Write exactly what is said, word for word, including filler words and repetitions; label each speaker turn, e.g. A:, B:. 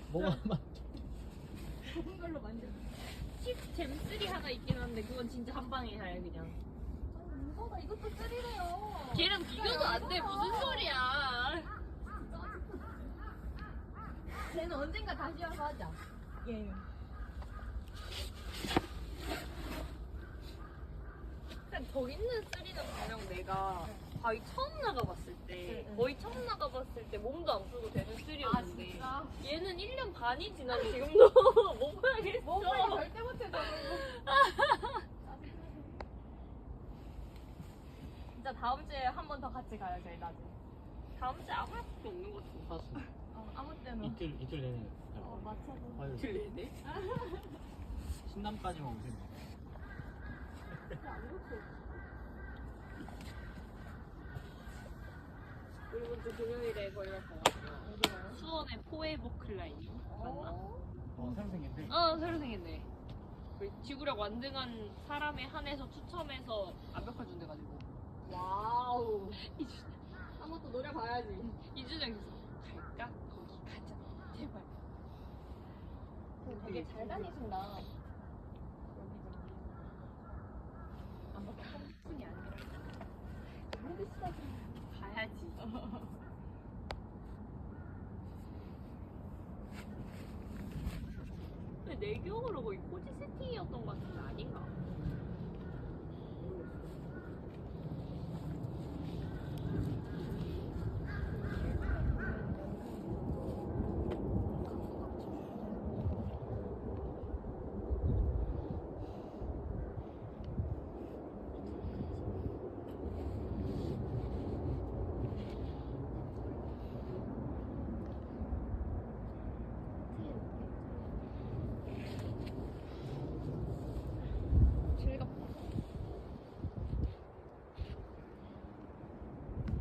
A: 뭐가 만
B: 좋은 걸로 만들.
C: 잼쓰리 하나 있긴 한데 그건 진짜 한 방에 해 그냥.
B: 무거워. 이것도 쓰리래요.
C: 걔랑 비교도 안 돼. 무슨 소리야.
B: 쟤는 언젠가 다시 와서 하자. 예.
C: 근데 저기 있는 쓰리는 분명 내가 바위 처음 나가봤을 때
B: 응, 응.
C: 거의 처음 나가봤을 때 몸도 안 풀고 되는
B: 아
C: 쓰리였는데
B: 진짜?
C: 얘는 일 년 반이 지난 지금도 못 봐야겠어.
B: 뭐 빨리 절대 못해 저거. 진짜 다음 주에 한 번 더 같이 가요 저희 나중에.
C: 다음 주에 아무 약속도 없는 것 같아.
A: 사실
B: 어, 아무 때나.
A: 이틀 이틀 내내
B: 어 맞춰서.
A: 화요일
C: 이틀 내내?
A: 신남까지만 오시면 돼요.
C: 그리고 또 금요일에 거기가 가요. 수원의 포에버 클라이밍 맞나?
A: 어 새로 생긴데
C: 어 새로 생겼네. 그 지구력 완등한 사람에 한해서 추첨해서 압력화 준대가지고
B: 와우.
C: 이준영
B: 한번 또 노려봐야지.
C: 이준영이 갈까? 거기 가자 제발.
B: 되게 잘 다니신다. 안 바꿔.
C: 뿐이 아니라
B: 힘드시다.
C: 가야지. 근데 내 기억으로 거의 코지 세팅이었던 것 같은데 아닌가?